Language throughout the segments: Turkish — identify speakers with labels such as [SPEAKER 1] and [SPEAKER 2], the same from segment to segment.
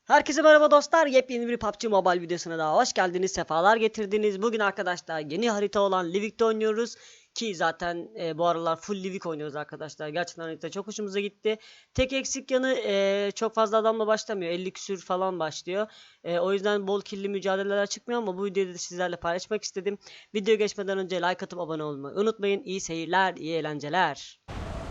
[SPEAKER 1] Herkese merhaba dostlar. Yepyeni bir PUBG Mobile videosuna daha hoş geldiniz. Sefalar getirdiniz. Bugün arkadaşlar yeni harita olan Livik'te oynuyoruz. Ki zaten bu aralar full Livik oynuyoruz arkadaşlar. Gerçekten harita çok hoşumuza gitti. Tek eksik yanı çok fazla adamla başlamıyor. 50 küsür falan başlıyor. O yüzden bol killi mücadeleler çıkmıyor ama bu videoyu da sizlerle paylaşmak istedim. Videoya geçmeden önce like atıp abone olmayı unutmayın. İyi seyirler, iyi eğlenceler.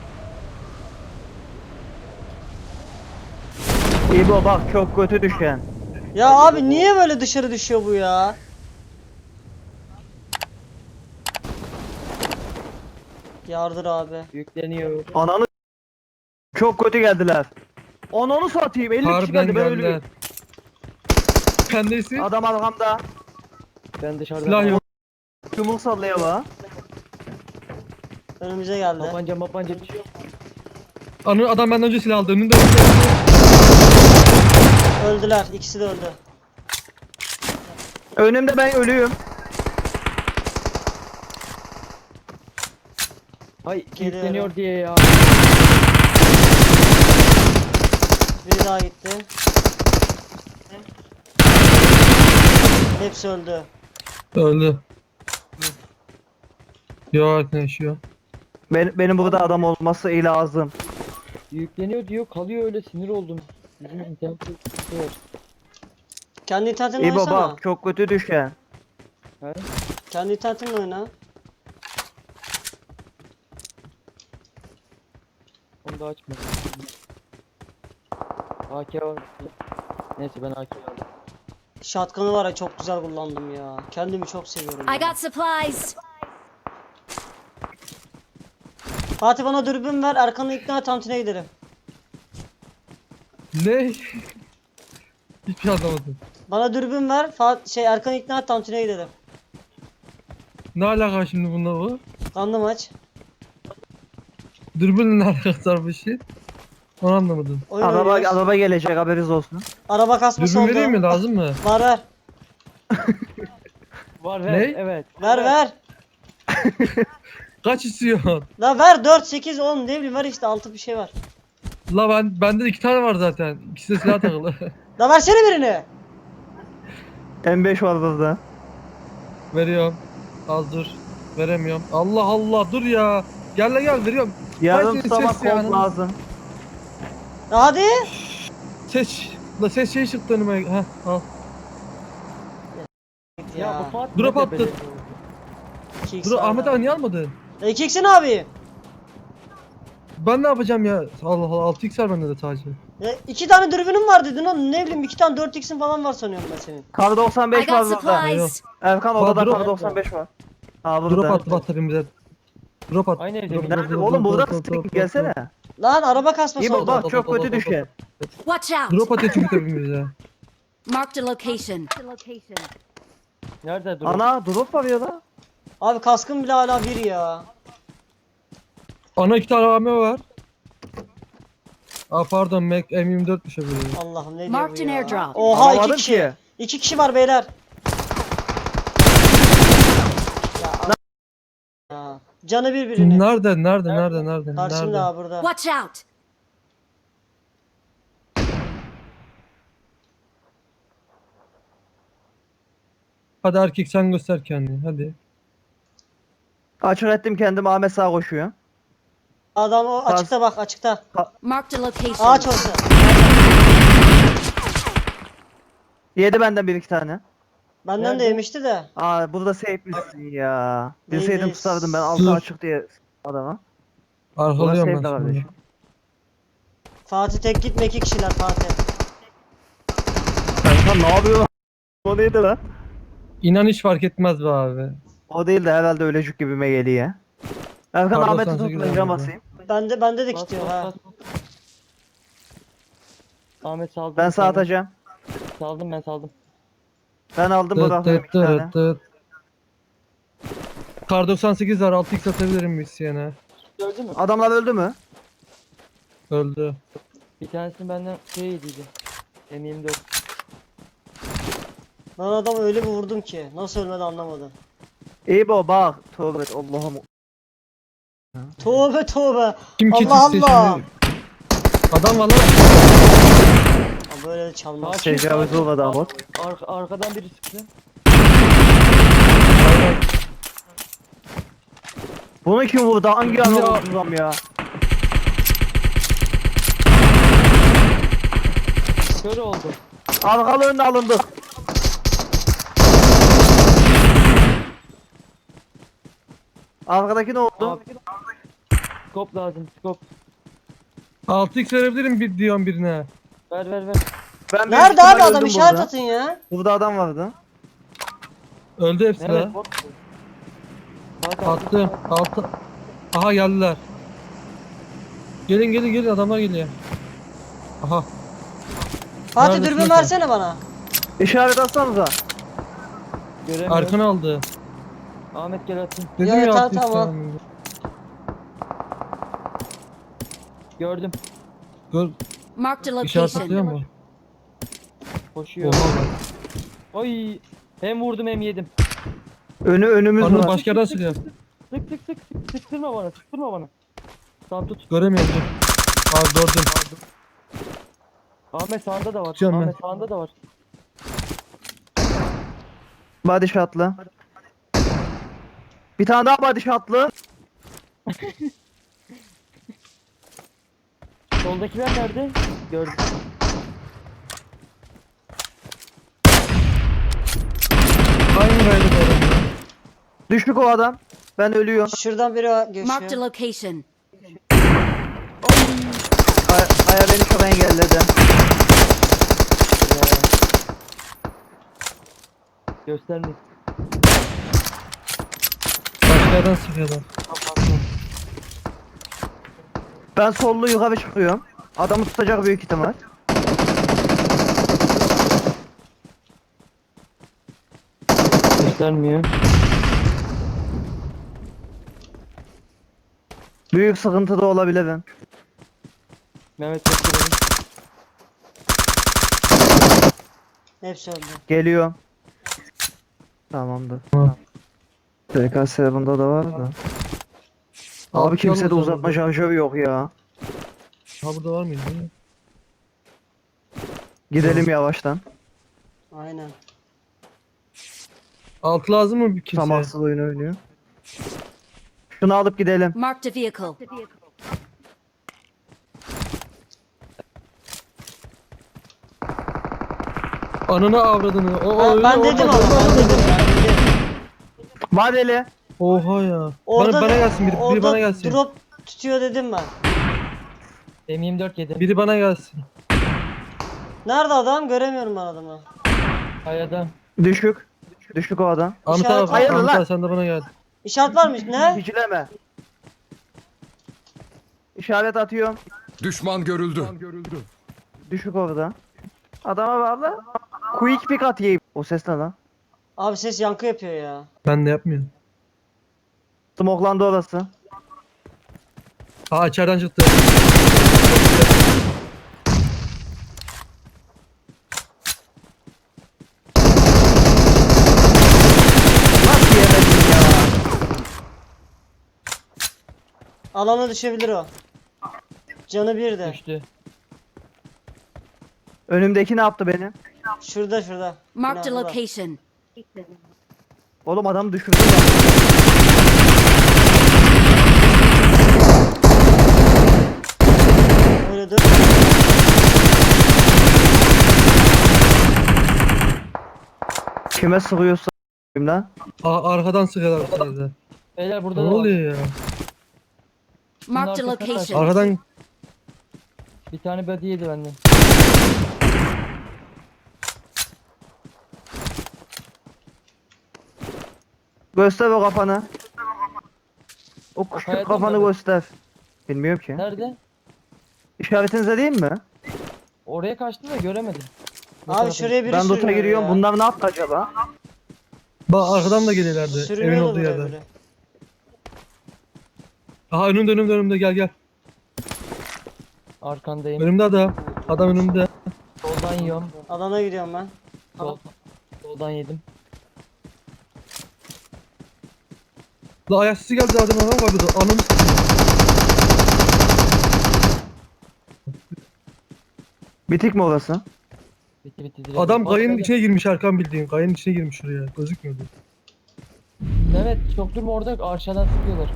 [SPEAKER 2] İbo bak çok kötü düşen.
[SPEAKER 1] Ya abi niye böyle dışarı düşüyor bu ya? Yardır abi.
[SPEAKER 3] Yükleniyor.
[SPEAKER 2] Ananı çok kötü geldiler. Ananı satayım 50 kişi
[SPEAKER 3] Harbiden
[SPEAKER 2] geldi ben
[SPEAKER 3] geldiler.
[SPEAKER 2] ölüyorum.
[SPEAKER 3] Kendisi
[SPEAKER 2] Adam arkamda.
[SPEAKER 3] ben dışarıda. Silah yok.
[SPEAKER 2] Yumruk sallaya bak.
[SPEAKER 1] Önümüze geldi.
[SPEAKER 3] Mapanca bir şey yok. Adam benden önce silah aldı. Önünde
[SPEAKER 1] Öldüler. İkisi de öldü.
[SPEAKER 2] Önümde ben ölüyüm.
[SPEAKER 3] Ay
[SPEAKER 1] Geliyorum.
[SPEAKER 3] yükleniyor diye ya.
[SPEAKER 1] Biri daha gitti. Hepsi öldü.
[SPEAKER 3] Öldü. Yok ne yaşıyor.
[SPEAKER 2] Benim burada adam olması iyi lazım.
[SPEAKER 4] Yükleniyor diyor kalıyor öyle sinir oldum. Bizim internet sıkıntı var.
[SPEAKER 1] Kendi internetinle
[SPEAKER 2] İbo
[SPEAKER 1] oynasana.
[SPEAKER 2] bak çok kötü düşen.
[SPEAKER 4] He?
[SPEAKER 1] Kendi internetinle oyna.
[SPEAKER 4] Onu da açma. AK var. Neyse ben AK aldım.
[SPEAKER 1] Shotgun'ı var ya çok güzel kullandım ya. Kendimi çok seviyorum.
[SPEAKER 5] I
[SPEAKER 1] ya.
[SPEAKER 5] got supplies.
[SPEAKER 1] Fatih bana dürbün ver. Erkan'ı ikna et tantine gidelim.
[SPEAKER 3] Ne? Hiçbir şey anlamadım.
[SPEAKER 1] Bana dürbün ver. Erkan'ı ikna et tantine gidelim.
[SPEAKER 3] Ne alaka şimdi bununla bu?
[SPEAKER 1] Kanlı maç.
[SPEAKER 3] Dürbünle ne alakası var bu işi? Onu anlamadım.
[SPEAKER 1] Oyun oynuyoruz.
[SPEAKER 2] Araba gelecek haberiniz olsun.
[SPEAKER 1] Araba kasması
[SPEAKER 3] Dürbün
[SPEAKER 1] oldu.
[SPEAKER 3] vereyim mi? Lazım mı?
[SPEAKER 1] Var ver.
[SPEAKER 4] Var
[SPEAKER 3] Ne?
[SPEAKER 4] ver evet.
[SPEAKER 1] Ver ver.
[SPEAKER 3] Kaç istiyorsun?
[SPEAKER 1] La ver 4, 8, 10 ne bileyim ver işte 6 bir şey var.
[SPEAKER 3] La bende 2 tane var zaten. İkisi de silah takılı.
[SPEAKER 1] La versene birini.
[SPEAKER 2] M5 var burada.
[SPEAKER 3] Veriyorum. Az dur. Veremiyorum. Allah Allah dur ya. Gel veriyorum.
[SPEAKER 2] Yarın
[SPEAKER 3] Hadi
[SPEAKER 2] sabah
[SPEAKER 3] ses ya.
[SPEAKER 2] kod lazım.
[SPEAKER 1] Ya hadi.
[SPEAKER 3] Ses şey çıktı önüme. Heh al.
[SPEAKER 4] Ya bu Fatih
[SPEAKER 3] Drop
[SPEAKER 4] ne
[SPEAKER 3] attı.
[SPEAKER 4] tepeli?
[SPEAKER 1] 2x
[SPEAKER 3] Dur Ahmet abi niye almadın?
[SPEAKER 1] 2x'in abi.
[SPEAKER 3] Ben ne yapacağım ya? Allah Allah 6x var bende de sadece.
[SPEAKER 1] Ya 2 tane dürbünüm var dedin oğlum ne bileyim 2 tane 4x'in falan var sanıyorum ben senin.
[SPEAKER 2] Kar
[SPEAKER 5] I
[SPEAKER 2] 95 var
[SPEAKER 5] got
[SPEAKER 2] burada.
[SPEAKER 5] supplies.
[SPEAKER 2] Erkan
[SPEAKER 3] Bak,
[SPEAKER 2] odada
[SPEAKER 3] drop-
[SPEAKER 2] kar 95 var. Ha
[SPEAKER 3] Drop
[SPEAKER 2] burada.
[SPEAKER 3] attı bataryamıza. Drop attı.
[SPEAKER 4] Aynı evde
[SPEAKER 3] Drop,
[SPEAKER 4] mi?
[SPEAKER 3] drop,
[SPEAKER 2] Nerede?
[SPEAKER 3] drop,
[SPEAKER 2] Oğlum
[SPEAKER 3] drop,
[SPEAKER 2] burada
[SPEAKER 3] drop, drop,
[SPEAKER 2] mısın?
[SPEAKER 3] drop,
[SPEAKER 2] Gelsene.
[SPEAKER 1] Lan araba kasması
[SPEAKER 2] İbo
[SPEAKER 1] oldu.
[SPEAKER 2] bak çok kötü düşen.
[SPEAKER 5] Watch out.
[SPEAKER 3] Drop atıyor çünkü tepemize.
[SPEAKER 5] Marked a location.
[SPEAKER 4] Nerede dur?
[SPEAKER 2] Ana drop var ya da.
[SPEAKER 1] Abi kaskım bile hala 1 ya.
[SPEAKER 3] Ana 2 tane AM var. Aa pardon Mac M24'müş öbürü.
[SPEAKER 1] Allah'ım ne diyor
[SPEAKER 5] Marked
[SPEAKER 1] bu
[SPEAKER 5] an
[SPEAKER 1] ya.
[SPEAKER 5] airdrop.
[SPEAKER 1] Oha 2
[SPEAKER 2] Alamadım
[SPEAKER 1] kişi.
[SPEAKER 2] ki.
[SPEAKER 1] 2 kişi var beyler. Ya. Canı birbirini.
[SPEAKER 3] Nerede?
[SPEAKER 1] Karşımda abi burada.
[SPEAKER 5] Watch out.
[SPEAKER 3] Hadi erkek sen göster kendini hadi.
[SPEAKER 2] Açık ettim kendimi Ahmet sağa koşuyor.
[SPEAKER 1] Adam o açıkta bak açıkta.
[SPEAKER 5] Marked a location.
[SPEAKER 1] Ağaç orası.
[SPEAKER 2] Yedi benden bir iki tane.
[SPEAKER 1] Benden de
[SPEAKER 4] Nerede?
[SPEAKER 1] yemişti de.
[SPEAKER 2] Aa burada safe'lisin ya.
[SPEAKER 1] Değil,
[SPEAKER 2] Bilseydim
[SPEAKER 1] değil.
[SPEAKER 2] tutardım ben altı
[SPEAKER 3] Dur.
[SPEAKER 2] açık diye adama.
[SPEAKER 3] Arkalıyorum
[SPEAKER 2] Burası
[SPEAKER 3] ben
[SPEAKER 2] safe
[SPEAKER 3] şimdi.
[SPEAKER 2] kardeşim.
[SPEAKER 1] Fatih tek gitme 2 kişiler Fatih.
[SPEAKER 2] Erkan ne yapıyorsun? O neydi lan?
[SPEAKER 3] İnan hiç fark etmez be abi.
[SPEAKER 2] O değil de herhalde ölecek gibime geliyor. Erkan
[SPEAKER 3] Pardon,
[SPEAKER 2] Ahmet'i
[SPEAKER 3] 98
[SPEAKER 2] tutmayın
[SPEAKER 3] abi.
[SPEAKER 2] basayım.
[SPEAKER 1] Bende de
[SPEAKER 4] Bas,
[SPEAKER 1] gidiyor
[SPEAKER 4] bas,
[SPEAKER 1] ha.
[SPEAKER 4] bas. Ahmet saldım.
[SPEAKER 2] Ben sağ atacağım.
[SPEAKER 4] Saldım ben saldım.
[SPEAKER 2] Ben aldım
[SPEAKER 3] Tıt
[SPEAKER 2] bıraktım
[SPEAKER 3] tıt
[SPEAKER 2] iki tane.
[SPEAKER 3] tıt tıt. Kar 98 var 6x atabilirim mi isteyene?
[SPEAKER 4] Gördün mü?
[SPEAKER 2] Adamlar öldü mü?
[SPEAKER 3] Öldü.
[SPEAKER 4] Bir tanesini benden şey yediydi. M24.
[SPEAKER 1] Ben adamı öyle bir vurdum ki. Nasıl ölmedi anlamadım.
[SPEAKER 2] İbo bak. Tövbe et, Allah'ım.
[SPEAKER 1] Tövbe tövbe.
[SPEAKER 3] Kim kit
[SPEAKER 1] Allah
[SPEAKER 3] istiyor
[SPEAKER 1] Allah.
[SPEAKER 3] şimdi? Adam var lan.
[SPEAKER 1] böyle de çalmaz.
[SPEAKER 4] Sakin,
[SPEAKER 2] Tecavüz
[SPEAKER 4] sakin.
[SPEAKER 2] olmadı ama.
[SPEAKER 4] Arkadan biri sıktı.
[SPEAKER 2] Bunu kim vurdu? Hangi adam vurdu ya?
[SPEAKER 4] Kör oldu.
[SPEAKER 2] Arkalarında alındık. Arkadaki ne oldu?
[SPEAKER 4] Abi. Skop lazım, skop.
[SPEAKER 3] 6x verebilirim bir diyorum birine.
[SPEAKER 4] Ver.
[SPEAKER 2] Ben büyük
[SPEAKER 1] Nerede abi
[SPEAKER 2] ihtimal
[SPEAKER 1] adam,
[SPEAKER 2] öldüm
[SPEAKER 1] işaret
[SPEAKER 2] burada.
[SPEAKER 1] atın ya.
[SPEAKER 2] Burada adam vardı.
[SPEAKER 3] Öldü hepsi
[SPEAKER 4] Evet,
[SPEAKER 3] de.
[SPEAKER 4] bot. Bak, bak.
[SPEAKER 3] Attım. Altı. Aha geldiler. Gelin adamlar geliyor. Aha.
[SPEAKER 1] Fatih
[SPEAKER 3] Neredesin
[SPEAKER 1] dürbün
[SPEAKER 3] sen?
[SPEAKER 1] versene bana.
[SPEAKER 2] İşaret atsanıza.
[SPEAKER 4] Göremiyorum.
[SPEAKER 3] Arkana aldı.
[SPEAKER 4] Ahmet gel atayım.
[SPEAKER 3] Dedim
[SPEAKER 1] Ya,
[SPEAKER 3] ya,
[SPEAKER 1] tamam,
[SPEAKER 3] 6x
[SPEAKER 1] tamam.
[SPEAKER 3] falan.
[SPEAKER 4] Gördüm.
[SPEAKER 3] Gör,
[SPEAKER 5] Marked a
[SPEAKER 3] işaret atıyor
[SPEAKER 5] location.
[SPEAKER 3] mu?
[SPEAKER 4] Koşuyor.
[SPEAKER 3] Oha bak.
[SPEAKER 4] Oy. Hem vurdum hem yedim.
[SPEAKER 2] Önümüz
[SPEAKER 3] Anıl
[SPEAKER 2] var.
[SPEAKER 3] başka yerden sıkıyor.
[SPEAKER 4] Sık. Sıktırma bana. Tamam tut.
[SPEAKER 3] Göremiyorum dur. Abi gördüm.
[SPEAKER 4] Ahmet sağında da var.
[SPEAKER 3] Tutuyorum
[SPEAKER 4] Ahmet
[SPEAKER 3] ben.
[SPEAKER 4] sağında da var.
[SPEAKER 2] Body shot'lı. Bir tane daha body shot'lı.
[SPEAKER 4] Soldakiler nerede? Gördüm.
[SPEAKER 3] Aynı rayda böyle.
[SPEAKER 2] Düştük o adam. Ben ölüyorum.
[SPEAKER 1] Şuradan biri
[SPEAKER 5] Marked a
[SPEAKER 1] geçiyor.
[SPEAKER 5] location.
[SPEAKER 2] Aya beni çok engelledi.
[SPEAKER 4] Göstermeyin.
[SPEAKER 3] Başka yerden sıkıyorlar.
[SPEAKER 2] Ben sollu yukarı çıkıyorum. Adamı tutacak büyük ihtimal.
[SPEAKER 4] Göstermiyor.
[SPEAKER 2] Büyük sıkıntı da olabilirim.
[SPEAKER 4] Mehmet gösterelim.
[SPEAKER 1] Hepsi öldü.
[SPEAKER 2] Geliyorum. Tamamdır. TKS bunda da var da. Abi kimsede uzatma şarjörü yok ya.
[SPEAKER 3] Ha burada var mıydı?
[SPEAKER 2] Gidelim yavaştan.
[SPEAKER 1] Aynen.
[SPEAKER 3] Altı lazım mı bir kimseye?
[SPEAKER 2] Tamassız oyun oynuyor. Şunu alıp gidelim.
[SPEAKER 5] Marked a vehicle.
[SPEAKER 3] Ananı avradını.
[SPEAKER 1] Ben dedim ama ben dedim.
[SPEAKER 2] Vadeli.
[SPEAKER 3] Oha ya.
[SPEAKER 1] Orada
[SPEAKER 3] Bana gelsin biri
[SPEAKER 1] orada
[SPEAKER 3] bana gelsin.
[SPEAKER 1] drop tutuyor dedim ben.
[SPEAKER 4] M24 yedim.
[SPEAKER 3] Biri bana gelsin.
[SPEAKER 1] Nerede adam? Göremiyorum ben adamı.
[SPEAKER 4] Kayada.
[SPEAKER 2] Düşük. Düşük o adam.
[SPEAKER 3] Ahmet
[SPEAKER 1] İşaret
[SPEAKER 3] abi,
[SPEAKER 1] hayırlı
[SPEAKER 3] Ahmet
[SPEAKER 2] lan.
[SPEAKER 3] abi sen de bana gel.
[SPEAKER 1] İşaret varmış ne?
[SPEAKER 2] Hicileme. İşaret atıyorum.
[SPEAKER 6] Düşman görüldü.
[SPEAKER 2] Düşük orada. Adama bağlı. Quick pick atayım. O ses ne lan?
[SPEAKER 1] Abi ses yankı yapıyor ya.
[SPEAKER 3] Ben de yapmıyorum.
[SPEAKER 2] Smoklandı orası.
[SPEAKER 3] Ha içeriden çıktı.
[SPEAKER 2] Nasıl yemedin ya?
[SPEAKER 1] Alana düşebilir o. Canı bir de.
[SPEAKER 4] Düştü.
[SPEAKER 2] Önümdeki ne yaptı benim?
[SPEAKER 1] Şurada.
[SPEAKER 5] Marked a
[SPEAKER 1] Binada.
[SPEAKER 5] location.
[SPEAKER 2] Oğlum adam düşürdü lan.
[SPEAKER 1] Öyle dur.
[SPEAKER 2] Kime sıkıyorsa lan?
[SPEAKER 3] Arkadan sıkıyorlar bu sefer de.
[SPEAKER 4] Beyler
[SPEAKER 3] Ne
[SPEAKER 4] burada da var.
[SPEAKER 3] oluyor ya?
[SPEAKER 5] Marked a
[SPEAKER 4] arkasına
[SPEAKER 5] location.
[SPEAKER 3] Arkadan
[SPEAKER 4] Bir tane body yedi benden.
[SPEAKER 2] Göster o kafanı. O küçük
[SPEAKER 4] kayadan
[SPEAKER 2] kafanı
[SPEAKER 4] mı?
[SPEAKER 2] göster. Bilmiyorum ki.
[SPEAKER 4] Nerede?
[SPEAKER 2] İşaretinize değil mi?
[SPEAKER 4] Oraya kaçtı da göremedim. Bu
[SPEAKER 1] Abi
[SPEAKER 4] tarafa
[SPEAKER 1] şuraya biri
[SPEAKER 2] Ben loot'a
[SPEAKER 1] sürünüyor
[SPEAKER 2] giriyorum.
[SPEAKER 1] ya.
[SPEAKER 2] Bunlar ne yaptı acaba?
[SPEAKER 3] bak arkadan da geliyorlardı. Evin
[SPEAKER 1] Sürünüyordu
[SPEAKER 3] olduğu
[SPEAKER 1] buraya
[SPEAKER 3] yerden.
[SPEAKER 1] biri.
[SPEAKER 3] Aha önümde gel.
[SPEAKER 4] gitti. Arkandayım.
[SPEAKER 3] Önümde adam. Adam önümde.
[SPEAKER 4] Soldan yiyorum.
[SPEAKER 1] Alana gidiyorum ben.
[SPEAKER 4] Soldan yedim.
[SPEAKER 3] La ayak sesi geldi adam var burada. Ananı
[SPEAKER 2] Bitik mi orası?
[SPEAKER 4] Bitti direkt.
[SPEAKER 3] Adam
[SPEAKER 4] Bak,
[SPEAKER 3] kayının
[SPEAKER 4] öyle.
[SPEAKER 3] içine girmiş Erkan bildiğin. Kayının içine girmiş şuraya. Gözükmüyordu.
[SPEAKER 4] Evet çok durma orada aşağıdan sıkıyorlar.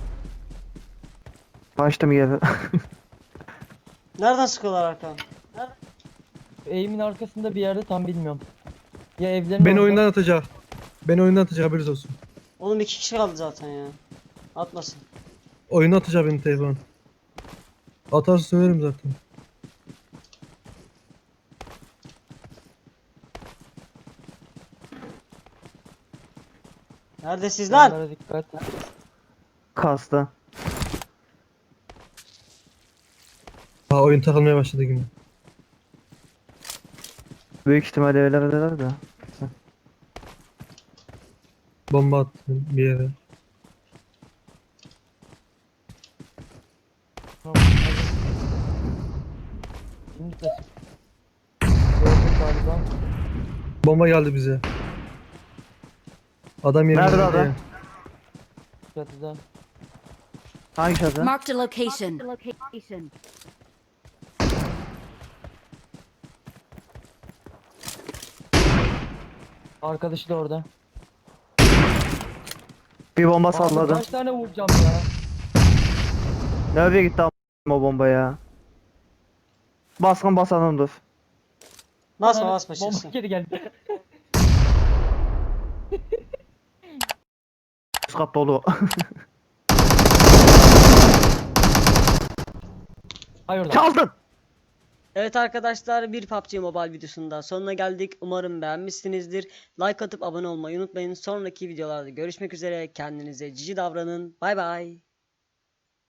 [SPEAKER 2] Kaçtım geri.
[SPEAKER 1] Nereden sıkıyorlar Hakan?
[SPEAKER 4] Eğimin arkasında bir yerde tam bilmiyorum. Ya evlerin
[SPEAKER 3] Beni
[SPEAKER 4] orada.
[SPEAKER 3] oyundan atacak. Beni oyundan atacak haberiniz olsun.
[SPEAKER 1] Oğlum 2 kişi kaldı zaten ya. Atmasın.
[SPEAKER 3] Oyuna atacak beni telefon. Atarsa söylerim zaten.
[SPEAKER 1] Neredesiniz lan?
[SPEAKER 4] Onlara dikkat.
[SPEAKER 2] Kastı.
[SPEAKER 3] Ha oyun takılmaya başladı yine.
[SPEAKER 2] Büyük ihtimalle evlerdeler de.
[SPEAKER 3] Bomba attım bir yere.
[SPEAKER 4] Şimdi de sık. Gördüm galiba.
[SPEAKER 3] Bomba geldi bize. Adam yerine
[SPEAKER 2] Nerede
[SPEAKER 3] girdi
[SPEAKER 2] adam?
[SPEAKER 3] ya.
[SPEAKER 4] Çatıda.
[SPEAKER 2] Hangi şahsı?
[SPEAKER 5] Marked a location.
[SPEAKER 4] Arkadaşı da orada.
[SPEAKER 2] Bir bomba
[SPEAKER 4] Abi
[SPEAKER 2] salladı.
[SPEAKER 4] kaç tane vuracağım ya?
[SPEAKER 2] Nereye gitti o bomba ya? Baskın basanım dur.
[SPEAKER 1] Basma
[SPEAKER 4] Ananı-
[SPEAKER 1] basma
[SPEAKER 4] Bomba
[SPEAKER 1] çıksın.
[SPEAKER 4] geri geldi.
[SPEAKER 2] Üst kat dolu.
[SPEAKER 4] Hayır lan.
[SPEAKER 2] Çaldın.
[SPEAKER 1] Evet arkadaşlar, bir PUBG Mobile videosunun sonuna geldik. Umarım beğenmişsinizdir. Like atıp abone olmayı unutmayın. Sonraki videolarda görüşmek üzere. Kendinize cici davranın. Bay bay.